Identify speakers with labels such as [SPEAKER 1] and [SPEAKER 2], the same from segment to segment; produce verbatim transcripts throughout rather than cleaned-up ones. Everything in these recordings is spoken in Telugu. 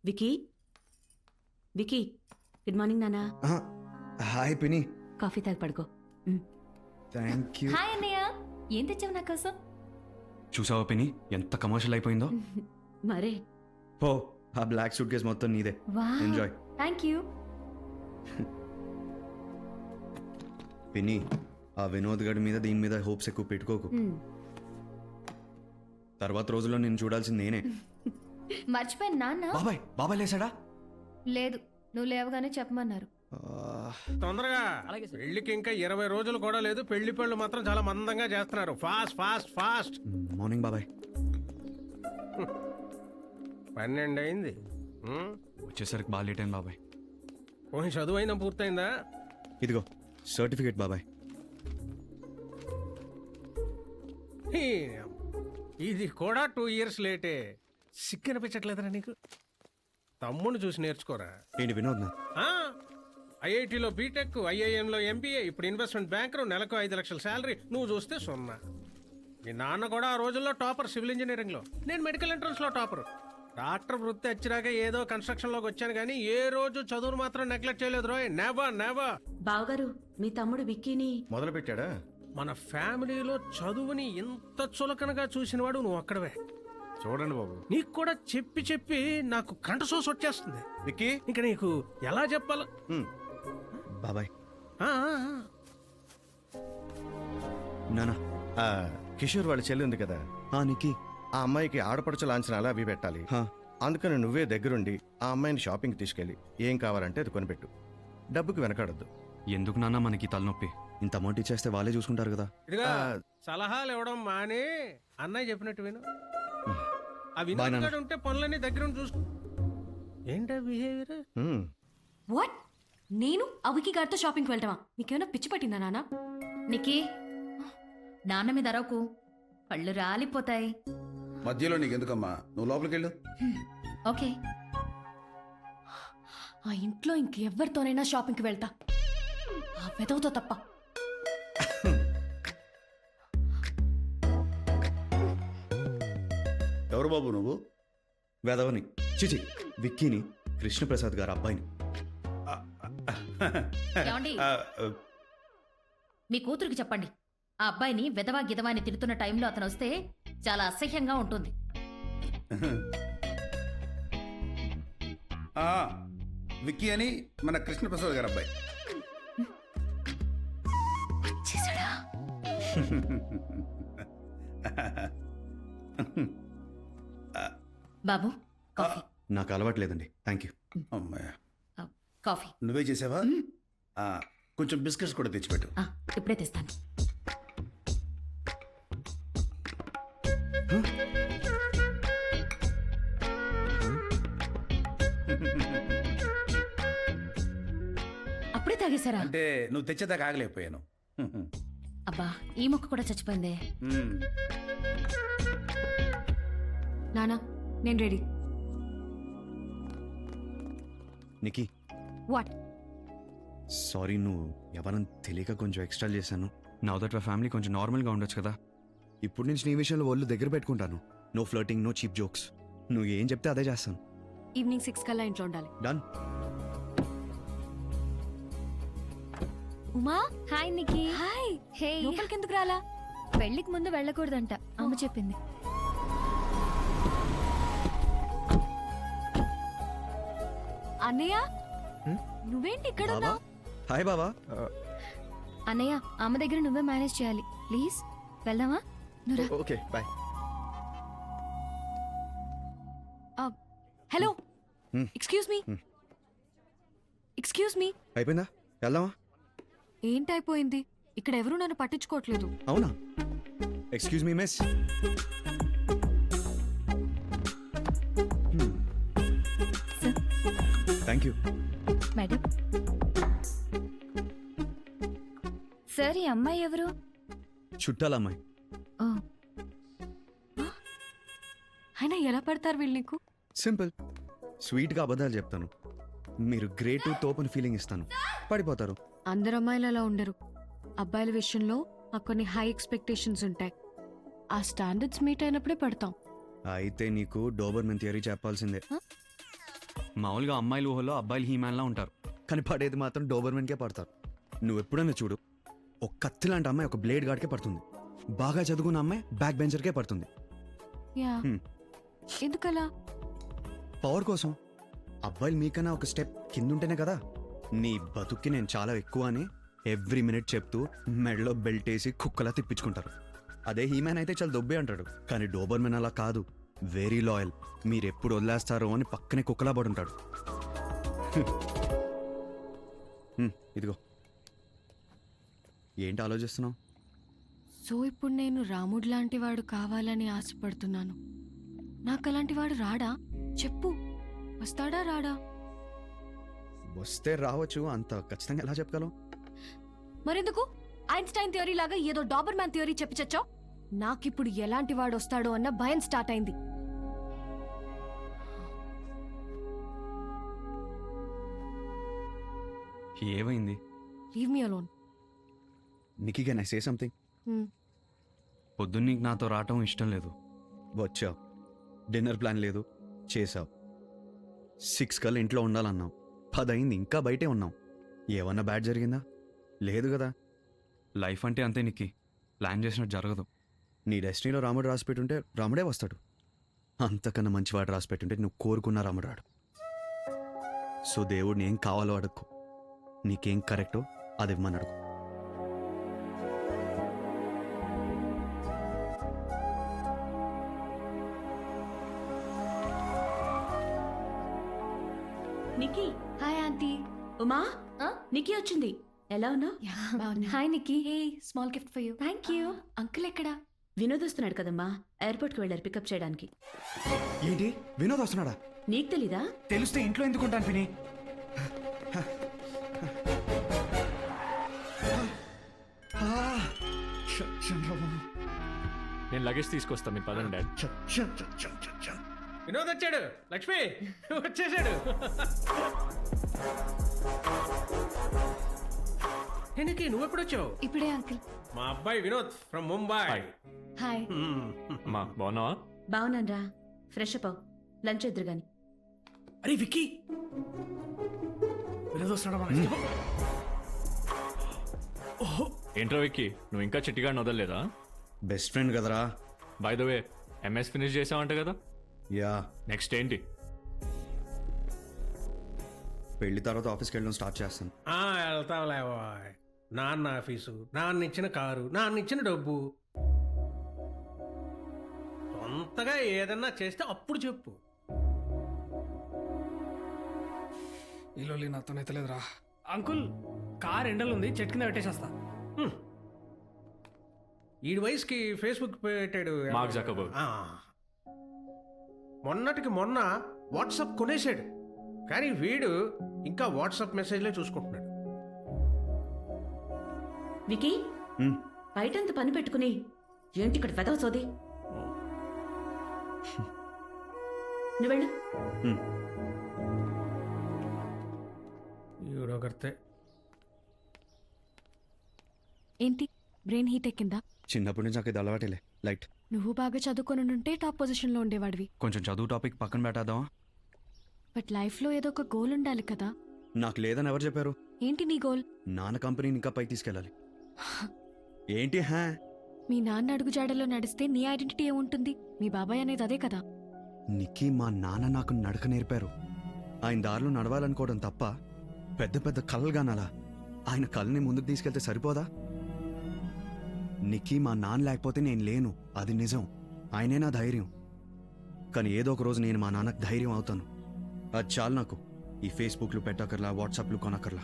[SPEAKER 1] వికీ వికీ గుడ్ మార్నింగ్ నానా.
[SPEAKER 2] హాయ్ పిని.
[SPEAKER 1] కాఫీ తాగి పడుకో.
[SPEAKER 2] Thank you.
[SPEAKER 3] హాయ్ అన్నయ్య, ఏం తెచ్చావు నా కోసం?
[SPEAKER 2] చూసావా పిని ఎంత కమర్షియల్ అయిపోయిందో.
[SPEAKER 1] మరే
[SPEAKER 2] ఓ ఆ బ్లాక్ సూట్ కేస్ మొత్తం నీదే. ఎంజాయ్.
[SPEAKER 3] Thank you.
[SPEAKER 2] పిని ఆ వినోద్ గడి మీద దీని మీద హోప్స్ ఎక్కువ పెట్టుకోకు. తర్వాత రోజుల్లో నేను చూడాల్సింది నేనే.
[SPEAKER 3] మర్చిపోయాను నాన్న.
[SPEAKER 2] బాబాయ్ బాబాయ్ లేసాడా?
[SPEAKER 3] లేదు, నువ్వు లేవగానే చెప్పమన్నారు.
[SPEAKER 4] తొందరగా పెళ్లికి ఇంకా ఇరవై రోజులు కూడా లేదు. పెళ్లి పళ్ళు మాత్రం చాలా మందంగా చేస్తున్నారు. Fast fast fast.
[SPEAKER 2] మార్నింగ్ బాబాయ్.
[SPEAKER 4] పన్నెండు అయింది.
[SPEAKER 2] వచ్చేసరికి బాగా లేట్ అయింది బాబాయ్.
[SPEAKER 4] పోనీ చదువు అయినా పూర్తయిందా?
[SPEAKER 2] ఇదిగో సర్టిఫికేట్ బాబాయ్.
[SPEAKER 4] హీ, ఇది కూడా టూ ఇయర్స్ లేటే. సిక్కు అనిపించట్లేదురా నీకు? తమ్ముడిని చూసి నేర్చుకోరా.
[SPEAKER 2] ఏంటి వినోద్ నా?
[SPEAKER 4] ఐఐటిలో బీటెక్, ఐఐఎంలో ఎంబీఏ, ఇప్పుడు ఇన్వెస్ట్మెంట్ బ్యాంకర్, నెలకు ఐదు లక్షల శాలరీ. నువ్వు చూస్తే సున్నా. మీ నాన్న కూడా ఆ రోజుల్లో టాపర్ సివిల్ ఇంజనీరింగ్ లో, నేను మెడికల్ ఎంట్రన్స్ లో టాపర్. డాక్టర్ వృత్తి వచ్చినాక ఏదో కన్స్ట్రక్షన్ లోకి వచ్చాను కానీ ఏ రోజు చదువును మాత్రం నెగ్లెక్ట్ చేయలేదు రోయ్. Never never.
[SPEAKER 1] బావగారు మీ తమ్ముడు విక్కీని
[SPEAKER 5] మొదలు పెట్టాడా?
[SPEAKER 4] మన ఫ్యామిలీలో చదువుని ఇంత చులకనగా చూసినవాడు నువ్వు ఒక్కడవే.
[SPEAKER 5] చూడండి బాబు,
[SPEAKER 4] నీకు కూడా చెప్పి చెప్పి నాకు కంట సోస్ వచ్చేస్తుంది.
[SPEAKER 5] విక్కీ.
[SPEAKER 4] ఇంకా నీకు ఎలా చెప్పాల?
[SPEAKER 2] బాబాయ్.
[SPEAKER 4] ఆ, ఆ, ఆ.
[SPEAKER 2] నానా.
[SPEAKER 5] ఆ, కిషోర్ వాళ్ళ చెల్లి ఉంది కదా,
[SPEAKER 2] ఆ నిక్కీ.
[SPEAKER 5] ఆ అమ్మాయికి ఆడపడుచు లాంఛనాలు అవి పెట్టాలి.
[SPEAKER 2] హా.
[SPEAKER 5] అందుకని నువ్వే దగ్గరుండి ఆ అమ్మాయిని షాపింగ్ తీసుకెళ్ళి ఏం కావాలంటే అది కొనిపెట్టు. డబ్బుకి వెనకాడద్దు.
[SPEAKER 2] ఎందుకు నాన్న మనకి తలనొప్పి? ఇంత అమౌంట్ ఇచ్చేస్తే వాళ్ళే చూసుకుంటారు కదా.
[SPEAKER 4] ఇదిగా
[SPEAKER 5] ఆ.
[SPEAKER 4] సలహాలు ఇవ్వడం మానే అన్నయ్య చెప్పినట్టు విను. ఆ
[SPEAKER 2] బాయ్ నాన్న.
[SPEAKER 4] వినోద్ ఉంటే పనులన్నీ దగ్గర ఉండి చూసుకో. ఏంటా బిహేవియర్?
[SPEAKER 5] హ్మ్.
[SPEAKER 1] వాట్? నేను అవికి గారితో షాపింగ్కి వెళ్తావా? మీకేమైనా పిచ్చి పట్టిందా నానా?
[SPEAKER 3] నికీ, నాన్న మీద అరవకు, పళ్ళు రాలిపోతాయి.
[SPEAKER 6] మధ్యలో నీకెందుకమ్మా, నువ్వు లోపలికి వెళ్ళు.
[SPEAKER 3] ఓకే.
[SPEAKER 1] ఆ ఇంట్లో ఇంకెవ్వరితోనైనా షాపింగ్కి వెళ్తా, ఆ వెదవుతో తప్ప.
[SPEAKER 6] ఎవరు బాబు నువ్వు?
[SPEAKER 2] వేదవని చిచి విక్కీని, కృష్ణప్రసాద్ గారు అబ్బాయిని.
[SPEAKER 3] ఏమండి,
[SPEAKER 6] ఆ,
[SPEAKER 3] మీ కూతురికి చెప్పండి, ఆ అబ్బాయిని విధవా గిదవాని తిడుతున్న టైంలో అతను వస్తే చాలా అసహ్యంగా ఉంటుంది.
[SPEAKER 6] ఆ, విక్కీ అని మన కృష్ణప్రసాద్ గారు అబ్బాయి.
[SPEAKER 3] చేశాడా? బాబు, కాఫీ.
[SPEAKER 2] నాకు అలవాట్లేదండి. Thank you.
[SPEAKER 6] అమ్మాయ,
[SPEAKER 3] ఆ, కాఫీ.
[SPEAKER 6] నువ్వే చేసావా? ఆ, కొంచెం బిస్కెట్స్ కూడా తెచ్చిపెట్టు.
[SPEAKER 3] ఆ, ఇప్పుడే తెస్తాను.
[SPEAKER 1] అప్పుడే తాగేశారా?
[SPEAKER 6] అంటే నువ్వు తెచ్చేదాకా ఆగలేకపోయాను.
[SPEAKER 3] అబ్బా, ఈ మొక్క కూడా చచ్చిపోయిందే.
[SPEAKER 6] మ్మ్.
[SPEAKER 1] నానా నేను రెడీ.
[SPEAKER 2] నిక్కీ
[SPEAKER 1] వాట్?
[SPEAKER 2] సారీ, నువ్వు ఎవరని తెలియక కొంచెం ఎక్స్ట్రా చేశాను. నా దట్ ఫ్యామిలీ కొంచెం నార్మల్గా ఉండొచ్చు కదా. ఇప్పుడు నుంచి నీ విషయంలో ఒళ్ళు దగ్గర పెట్టుకుంటాను. No flirting, no cheap jokes. నువ్వు ఏం చెప్తే అదే చేస్తాను.
[SPEAKER 1] ఈవినింగ్ సిక్స్ కల్లా ఇంట్లో ఉండాలి.
[SPEAKER 2] Done.
[SPEAKER 1] Uma
[SPEAKER 3] hi Niki.
[SPEAKER 1] Hi.
[SPEAKER 3] Hey,
[SPEAKER 1] లోపలికి ఎందుకు రాలా?
[SPEAKER 3] పెళ్లికి ముందు వెళ్ళకూడదంట, అమ్మ చెప్పింది.
[SPEAKER 1] అన్నయ్య నువ్వేంటి ఇక్కడ
[SPEAKER 2] బావా.
[SPEAKER 1] ఉన్నావు?
[SPEAKER 2] హాయ్ బావా.
[SPEAKER 3] అన్నయ్య, అమ్మ దగ్గర నువ్వే మేనేజ్ చేయాలి ప్లీజ్. వెళ్దామా? నువ్వు రా.
[SPEAKER 5] Okay bye.
[SPEAKER 1] Hello,
[SPEAKER 2] Hmm.
[SPEAKER 1] Excuse me.
[SPEAKER 2] Hmm.
[SPEAKER 1] Excuse me.
[SPEAKER 2] అయిపోయిందా? వెళ్దామా?
[SPEAKER 1] ఏంటైపోయింది? ఇక్కడ ఎవరు నన్ను పట్టించుకోవట్లేదు.
[SPEAKER 2] అవునా? Excuse me miss. Thank you.
[SPEAKER 3] Madam. Sir, ఈ అమ్మాయి ఎవరు?
[SPEAKER 2] చుట్టాల అమ్మాయి.
[SPEAKER 3] ఓ,
[SPEAKER 1] అయినా ఎలా పడతారు వీళ్ళు నీకు?
[SPEAKER 2] సింపుల్. స్వీట్గా అబద్ధాలు చెప్తాను. మీరు గ్రేట్ తోపని ఫీలింగ్ ఇస్తాను, పడిపోతారు.
[SPEAKER 1] అందరు అమ్మాయిలు అలా ఉండరు. అబ్బాయిల విషయంలో మాకు కొన్ని హై ఎక్స్పెక్టేషన్స్ ఉంటాయి. ఆ స్టాండర్డ్స్ మీట్ అయినప్పుడే పడతాం.
[SPEAKER 2] అయితే నీకు డోబర్మెన్ థియరీ చెప్పాల్సిందే. మామూలుగా అమ్మాయిలు ఊహలో అబ్బాయిలు హీమ్యాన్లా ఉంటారు, కానీ పడేది మాత్రం డోబర్మెన్కే పడతారు. నువ్వు ఎప్పుడైనా చూడు, ఒక కత్తి లాంటి అమ్మాయి ఒక బ్లేడ్ గార్డ్కే పడుతుంది, బాగా చదువుకున్న అమ్మాయి బ్యాక్ బెంచర్కే పడుతుంది.
[SPEAKER 1] యా
[SPEAKER 2] హ్మ్.
[SPEAKER 1] ఎందుకలా?
[SPEAKER 2] పవర్ కోసం. అబ్బాయిలు మీకన్నా ఒక స్టెప్ కింద ఉంటేనే కదా నీ బతుక్కి నేను చాలా ఎక్కువ అని ఎవ్రీ మినిట్ చెప్తూ మెడలో బెల్ట్ వేసి కుక్కలా తిప్పించుకుంటారు. అదే హీమ్యాన్ అయితే చాలా దొబ్బే అంటాడు, కానీ డోబర్మెన్ అలా కాదు, వెరీ లాయల్. మీరు ఎప్పుడు వదిలేస్తారో అని పక్కనే కుక్కలా పడి ఉంటాడు. హ్మ్, ఇదిగో. ఏంటి ఆలోచిస్తున్నావు?
[SPEAKER 1] సో ఇప్పుడు నేను రాముడు లాంటి వాడు కావాలని ఆశపడుతున్నాను. నాకు అలాంటి వాడు రాడా? చెప్పు, వస్తాడా రాడా?
[SPEAKER 2] వస్తే రావచ్చు, అంత ఖచ్చితంగా ఎలా చెప్పగలవు?
[SPEAKER 1] మరెందుకు ఐన్స్టైన్ థియరీ లాగా ఏదో డాబర్ మ్యాన్ థియరీ చెప్పి చచ్చావు? నాకిప్పుడు ఎలాంటి వాడు వస్తాడో అన్న భయం స్టార్ట్ అయింది.
[SPEAKER 2] ఏమైంది?
[SPEAKER 1] Leave me alone.
[SPEAKER 2] Niki can I say something? పొద్దున్న నీకు నాతో రావటం ఇష్టం లేదు. వచ్చావు, డిన్నర్ ప్లాన్ లేదు, చేసావు. సిక్స్ కల్లా ఇంట్లో ఉండాలన్నావు, పదయింది ఇంకా బయటే ఉన్నావు. ఏమన్నా బ్యాడ్ జరిగిందా? లేదు కదా. లైఫ్ అంటే అంతే నికి, ప్లాన్ చేసినట్టు జరగదు. నీ డెస్టినీలో రాముడు రాసి పెట్టుంటే రాముడే వస్తాడు, అంతకన్నా మంచివాడు రాసి పెట్టుంటే నువ్వు కోరుకున్న రాముడు రాడు. సో దేవుడిని ఏం కావాలో అడుక్కో, నీకేం కరెక్టో అది ఇవ్వమని అడుగు.
[SPEAKER 7] Nikki,
[SPEAKER 1] hi aunty.
[SPEAKER 7] ఉమా, నిక్కీ వచ్చింది. ఎలా ఉన్నావు?
[SPEAKER 1] Hi Nikki. Hey, small gift for you.
[SPEAKER 7] Thank you.
[SPEAKER 1] Uncle ఎక్కడా?
[SPEAKER 7] వినోద్ వస్తున్నాడు కదమ్మా, ఎయిర్పోర్ట్కి వెళ్ళారు పికప్ చేయడానికి.
[SPEAKER 2] ఏంటి, వినోద్ వస్తున్నాడా?
[SPEAKER 7] నీకు తెలీదా?
[SPEAKER 8] తెలిస్తే ఇంట్లో ఎందుకుంటాను పిని.
[SPEAKER 9] నేను లగేజ్ తీసుకొస్తా, మీరు పదండి డాడ్.
[SPEAKER 4] వినోద్ వచ్చాడు. లక్ష్మి వచ్చేసాడు. ఎనికి నువ్వు ఎప్పుడు వచ్చావు?
[SPEAKER 1] ఇప్పుడే అంకుల్.
[SPEAKER 4] మా అబ్బాయి Vinod from Mumbai.
[SPEAKER 9] Hi.
[SPEAKER 1] Hi.
[SPEAKER 9] మా బాగున్నావా?
[SPEAKER 7] బాగున్నానరా, ఫ్రెష్ అప్ అవ్, లంచ్ ఎదురు గాని.
[SPEAKER 8] అరే విక్కీ, వినోద్ వస్తున్నాడా మన ఇంటికి? ఓహో,
[SPEAKER 9] ఏంట్రా విక్కీ, నువ్వు ఇంకా చిట్టిగాడిని వదలలేదా?
[SPEAKER 2] బెస్ట్ ఫ్రెండ్ కదరా.
[SPEAKER 9] By the way, MS finish చేసావంట కదా,
[SPEAKER 2] యా.
[SPEAKER 9] నెక్స్ట్ ఏంటి?
[SPEAKER 2] పెళ్లి తర్వాత ఆఫీస్కి వెళ్ళడం స్టార్ట్ చేస్తాను.
[SPEAKER 4] ఆ, వెళ్తావులే బాయ్. నాన్న ఆఫీసు, నాన్న ఇచ్చిన కారు, నాన్న ఇచ్చిన డబ్బు. సొంతగా ఏదన్నా చేస్తే అప్పుడు చెప్పు.
[SPEAKER 8] ఇల్లు నాతోనైతే లేదురా. అంకుల్, కార్ ఎండలు ఉంది, చెట్టు కింద పెట్టేసేస్తా.
[SPEAKER 4] హ్మ్. ఈడి వయసుకి ఫేస్బుక్ పెట్టాడు
[SPEAKER 9] మార్క్ జకర్బర్గ్.
[SPEAKER 4] ఆ. మొన్నటికి మొన్న వాట్సాప్ కొనేసాడు, కానీ వీడు ఇంకా వాట్సాప్ మెసేజ్లే చూసుకుంటున్నాడు.
[SPEAKER 7] వికీ,
[SPEAKER 2] హ్మ్.
[SPEAKER 7] బయటంత పని పెట్టుకుని ఏంటి ఇక్కడ వెదవ సోది? నువ్వు వెళ్ళు.
[SPEAKER 2] హ్మ్.
[SPEAKER 4] ఈవిడొకరితే.
[SPEAKER 1] ఏంటి, బ్రెయిన్ హీట్ ఎక్కిందా?
[SPEAKER 2] చిన్నప్పటి నుంచి నాకు ఇది అలవాటేలే, లైట్.
[SPEAKER 1] నువ్వు బాగా చదువుకొని ఉంటే టాప్ పొజిషన్ లో ఉండేవాడివి.
[SPEAKER 2] కొంచెం చదువు టాపిక్ పక్కన పెట్టేద్దామా?
[SPEAKER 1] బట్ లైఫ్ లో ఏదో ఒక గోల్ ఉండాలి కదా.
[SPEAKER 2] నాకు లేదని ఎవరు చెప్పారు?
[SPEAKER 1] ఏంటి నీ గోల్?
[SPEAKER 2] నాన్న కంపెనీని ఇంకా పైకి తీసుకెళ్ళాలి. ఏంటి హా?
[SPEAKER 1] మీ నాన్న అడుగు జాడలో నడిస్తే నీ ఐడెంటిటీ ఏముంటుంది? మీ బాబాయ్ అనేది అదే కదా.
[SPEAKER 2] నికి మా నాన్న నాకు నడక నేర్పారు. ఆయన దారిలో నడవాలనుకోవడం తప్ప పెద్ద పెద్ద కలలుగానాలా? ఆయన కళ్ళని ముందుకు తీసుకెళ్తే సరిపోదా? నికి మా నాన్న లేకపోతే నేను లేను, అది నిజం. ఆయనే నా ధైర్యం. కానీ ఏదో ఒక రోజు నేను మా నాన్నకు ధైర్యం అవుతాను. అది చాలు నాకు. ఈ ఫేస్బుక్లు పెట్టకర్లా, వాట్సాప్లు కొనకర్లా.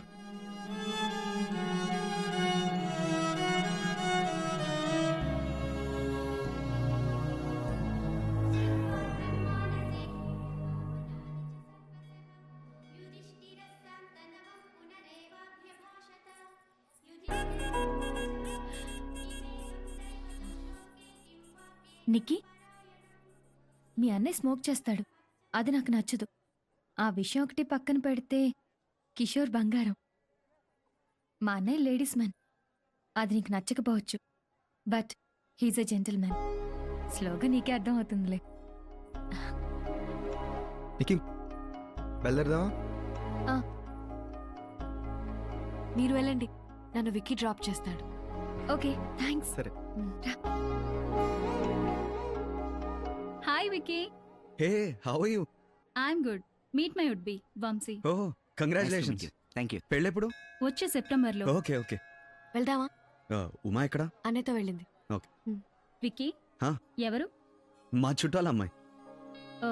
[SPEAKER 10] నిక్కీ, మీ అన్నయ్య స్మోక్ చేస్తాడు, అది నాకు నచ్చదు. ఆ విషయం ఒకటి పక్కన పెడితే కిషోర్ బంగారం. మా అన్నయ్య లేడీస్ మ్యాన్, అది నీకు నచ్చకపోవచ్చు, but he's a gentleman. స్లోగా నీకే అర్థం అవుతుందిలే.
[SPEAKER 2] నికి బయలుదేరదామా?
[SPEAKER 1] మీరు వెళ్ళండి, నన్ను విక్కీ డ్రాప్ చేస్తాడు.
[SPEAKER 10] Okay thanks.
[SPEAKER 2] సరే.
[SPEAKER 10] Hi Vicky.
[SPEAKER 2] Hey, how are you?
[SPEAKER 10] I'm good. Meet my would be Vamshi.
[SPEAKER 2] Oh congratulations.
[SPEAKER 11] Thank you.
[SPEAKER 2] పెళ్ళెప్పుడు?
[SPEAKER 10] వచ్చే సెప్టెంబర్లో.
[SPEAKER 2] Okay okay.
[SPEAKER 1] వెళ్దామా?
[SPEAKER 2] ఉమా ఎక్కడ?
[SPEAKER 1] అన్నయ్యతో వెళ్ళింది.
[SPEAKER 10] వికీ
[SPEAKER 2] హా?
[SPEAKER 10] ఎవరు?
[SPEAKER 2] మా చుట్టాల అమ్మాయి.
[SPEAKER 10] ఓ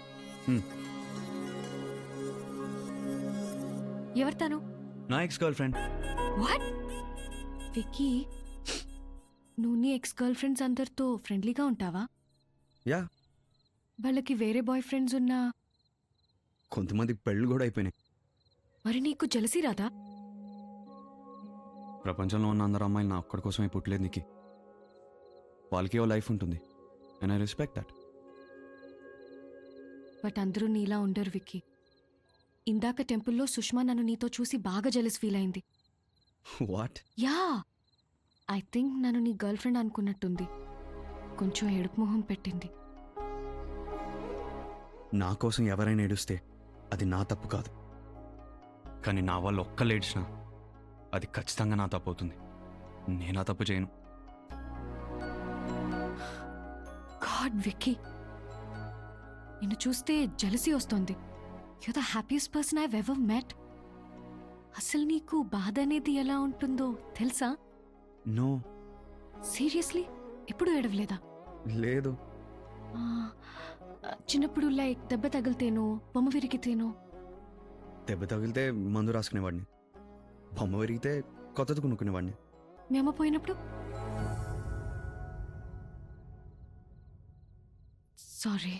[SPEAKER 1] ఎవరు తను?
[SPEAKER 2] నా ex girlfriend.
[SPEAKER 1] What? Vicky, నువ్వు నీ ఎక్స్ గర్ల్ ఫ్రెండ్స్ అందరితో ఫ్రెండ్లీగా ఉంటావా?
[SPEAKER 2] యా.
[SPEAKER 1] వాళ్ళకి వేరే బాయ్ ఫ్రెండ్స్ ఉన్నా
[SPEAKER 2] కొంతమంది పెళ్ళు కూడా అయిపోయినాయి.
[SPEAKER 1] మరి నీకు జలసి రాదా?
[SPEAKER 2] ప్రపంచంలో ఉన్న అందరు అమ్మాయిలు నా ఒక్కడి కోసమే పుట్టలేదు నీకు. వాళ్ళకి ఓ లైఫ్ ఉంటుంది, and I respect that.
[SPEAKER 1] But అందరూ నీలా ఉండరు విక్కీ. ఇందాక టెంపుల్లో సుష్మా నన్ను నీతో చూసి బాగా జలస్ ఫీల్ అయింది.
[SPEAKER 2] వాట్?
[SPEAKER 1] యా, ఐ థింక్ నన్ను నీ గర్ల్ ఫ్రెండ్ అనుకున్నట్టుంది. కొంచెం ఏడుపు మొహం పెట్టింది.
[SPEAKER 2] నా కోసం ఎవరైనా ఏడుస్తే అది నా తప్పు కాదు, కానీ నా వాళ్ళు ఒక్కళ్ళు ఏడ్చినా అది ఖచ్చితంగా నా తప్పు అవుతుంది. నేను ఆ తప్పు చేయను.
[SPEAKER 1] గాడ్ విక్కీ, నిన్ను చూస్తే జలసీ వస్తోంది. You the happiest person I ever met. అసలు నీకు బాధ అనేది ఎలా ఉంటుందో తెలుసా?
[SPEAKER 2] నో.
[SPEAKER 1] సీరియస్లీ ఎప్పుడు ఏడవలేదా?
[SPEAKER 2] లేదు.
[SPEAKER 1] ఆ, చిన్నప్పుడు లైక్ దెబ్బ తగిలితేనో బొమ్మ విరిగితేనో?
[SPEAKER 2] దెబ్బ తగిలితే మందు రాసుకునేవాడిని, బొమ్మ విరిగితే కొత్తది కొనుక్కునేవాడిని.
[SPEAKER 1] మీ అమ్మ పోయినప్పుడు? సారీ.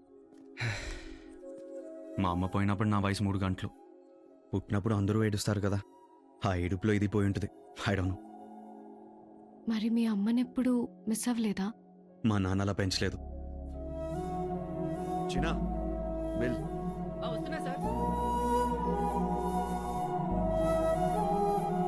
[SPEAKER 2] మా అమ్మ పోయినప్పుడు నా వయసు మూడు గంటలు. పుట్టినప్పుడు అందరూ ఏడుస్తారు కదా, ఆ ఏడుపులో ఇది పోయి ఉంటుంది. I don't know.
[SPEAKER 1] మరి మీ అమ్మనెప్పుడు మిస్ అవ్వలేదా?
[SPEAKER 2] మా నాన్న అలా పెంచలేదు. చిన్నా, వెల్.
[SPEAKER 8] వస్తున్నా సార్.